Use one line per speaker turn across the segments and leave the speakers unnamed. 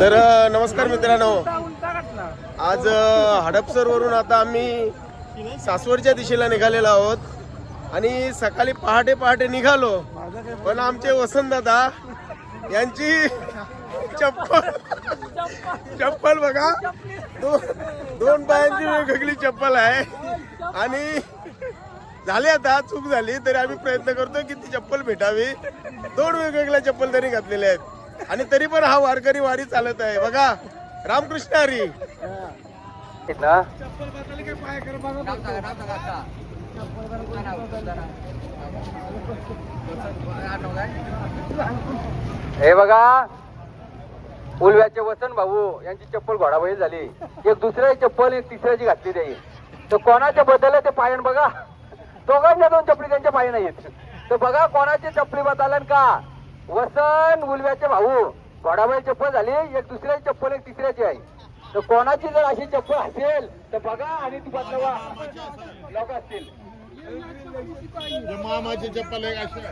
तर नमस्कार मित्रांनो, आज हडपसर वरून आता आम्ही सासवडच्या दिशेला निघालेलो आहोत आणि सकाळी पहाटे पहाटे निघालो, पण आमचे वसंत दादा यांची चप्पल बघा, दोन पायांची वेगवेगळी चप्पल आहे आणि झाले आता चूक झाली तरी आम्ही प्रयत्न करतोय की ती चप्पल भेटावी. दोन वेगवेगळ्या चप्पल तरी घातलेल्या आहेत आणि तरी पण हा वारकरी वारी चालत आहे बघा. रामकृष्ण हरी.
हे बघा, उलव्याचे वसंत भाऊ यांची चप्पल घोडाबळी झाली. एक दुसऱ्याची चप्पल एक तिसऱ्याची घातली त्याही. तर कोणाच्या बदल ते पायन बघा, दोघांच्या दोन चपली त्यांच्या पायी नाहीत. तर बघा कोणाची चपली बदलन का. वसंत उलव्याचे भाऊ घोडाबळी चप्पल झाली, एक दुसऱ्याची चप्पल एक तिसऱ्याची आहे. तर कोणाची जर अशी चप्पल असेल तर बघा आणि ती बदलवा. लोक असतील
मामाची चप्पल एक अशी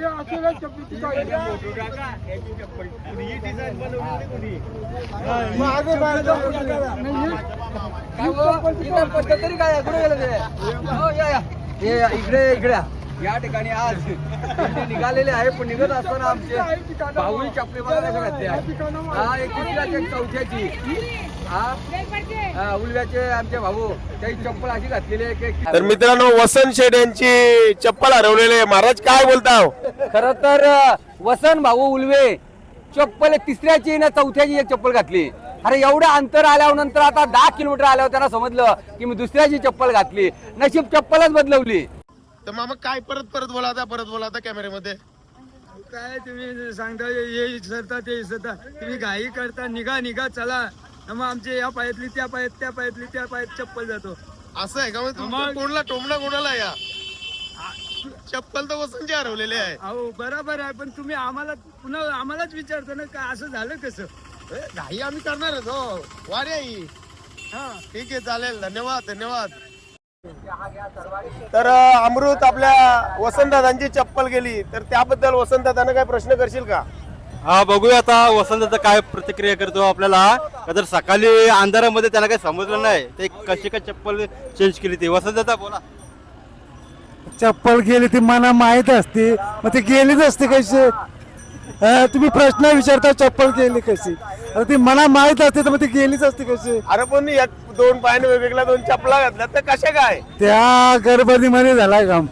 तरी काय कुठे गेलं ते. इकडे इकडे या ठिकाणी आज निघालेले आहे, पण निघत असताना आमचे भाऊ चपली बघायला घातले. हा एक दुसऱ्याची एक चौथ्याची, हा उलव्याचे आमचे भाऊ काही चप्पल अशी घातलेली आहे.
तर मित्रांनो, वसंत शेठ यांची चप्पल हरवलेली आहे. महाराज काय बोलताव?
खर तर वसंत भाऊ उलवे चप्पल एक तिसऱ्याची ना चौथ्याची एक चप्पल घातली. अरे एवढं अंतर आल्यावर नंतर आता 10 किलोमीटर आल्यावर त्यांना समजलं की मी दुसऱ्याची चप्पल घातली. नशीब चप्पलच बदलवली.
तर मामा काय परत बोला आता कॅमेऱ्यामध्ये.
काय तुम्ही सांगता हे सरता ते इसरता, तुम्ही घाई करता, निघा चला. मग आमचे या पायातली त्या पायात चप्पल जातो.
असं आहे का? मग कोणला टोमणा कोणाला या चप्पल तर वसंतची हरवलेली आहे.
अहो बरोबर आहे, पण तुम्ही आम्हाला पुन्हा आम्हालाच विचारता ना का असं झालं कसं.
घाई आम्ही करणारच हो, वारी आहे.
हा
ठीक आहे, चालेल. धन्यवाद. तर अमृत आपल्या वसंतदादांची चप्पल गेली, तर त्याबद्दल वसंतदादांना काय प्रश्न करशील का?
हा, बघूया आता वसंतचा काय प्रतिक्रिया करतो आपल्याला. तर सकाळी अंधारामध्ये त्याला काही समजलं नाही ते कशी काय चप्पल चेंज केली. ती वसंतचा बोला.
चप्पल गेली ती मला माहित असते, मग ती गेलीच असते कशी. तुम्ही प्रश्न विचारता चप्पल गेली कशी, आता ती मला माहित असते तर मग ती गेलीच असते कशी.
अरे पण दोन पायाने वेगवेगळ्या दोन चपला घातल्या तर कशा काय?
त्या गडबडीमध्ये झालाय काम.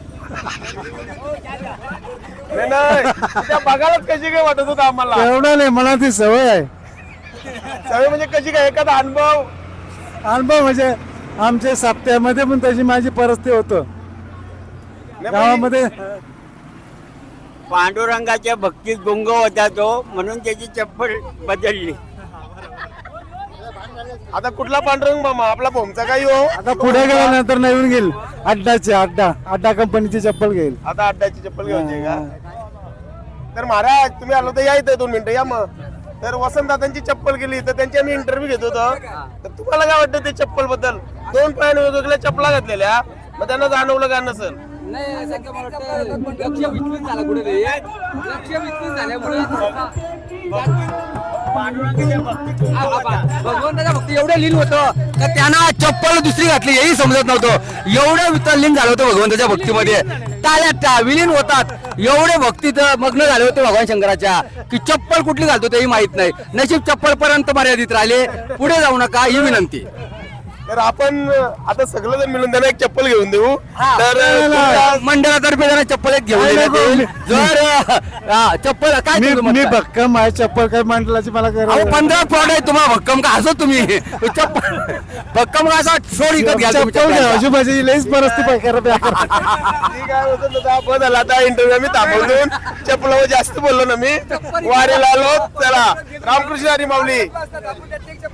नाही त्या बघायलाच कशी काय वाटत होतं आम्हाला.
एवढं नाही, मला ती सवय आहे.
सगळे म्हणजे कशी काय, एखादा अनुभव
म्हणजे आमच्या सप्त्यामध्ये पण तशी माझी परिस्थिती होतं गावामध्ये.
पांडुरंगाच्या भक्तीत गुंग होता तो, म्हणून त्याची चप्पल बदलली.
आता कुठला पांडुरंग मामा? आपला भोमचा काही हो.
आता पुढे गेल्यानंतर नवीन घेईल अड्डा कंपनीची चप्पल घेईल.
आता अड्डाची चप्पल घ्यायची का? तर महाराज तुम्ही आलो तर या इथे 2 मिनिटं या. मग तर वसंतदादांची चप्पल गेली तर त्यांची आम्ही इंटरव्ह्यू घेत होतो. तर तुम्हाला काय वाटतं ते चप्पल बद्दल? दोन पायाने वेगवेगळ्या चपला घातलेल्या, मग त्यांना जाणवलं का नसेल?
नाही असं का वाटतं, लक्ष विचलित झालं कुठे. लक्ष विचलित झाल्यामुळे भगवंताच्या भक्ती एवढं लीन होतं का त्यांना चप्पल दुसरी घातली हेही समजत नव्हतं. एवढं वितलीन झालं होतं भगवंताच्या भक्तीमध्ये. त्या विलीन होतात, एवढे भक्तीत मग्न झाले होते भगवान शंकराच्या की चप्पल कुठली घालतो तेही माहित नाही. नशीब चप्पल पर्यंत मर्यादित राहिले, पुढे जाऊ नका ही विनंती.
तर आपण आता सगळं जण मिळून त्यांना एक चप्पल घेऊन देऊ. तर
मंडळातर्फे जरा चप्पल एक घेऊन येईल. जर चप्पल काय
मी भक्कम आहे, चप्पल काय मंडळाची मला
15 प्लॉट आहे तुम्हाला भक्कम का असं तुम्ही चप्पल भक्कम का असं सोड विकत घ्या
आजूबाजूची लईच परिस्थिती
ठीक आहे होतं आपण झाला. आता इंटरव्ह्यू आम्ही थांबवून चप्पलावर जास्त बोललो ना मी. वारीला आलो. चला, रामकृष्ण हरी माऊली.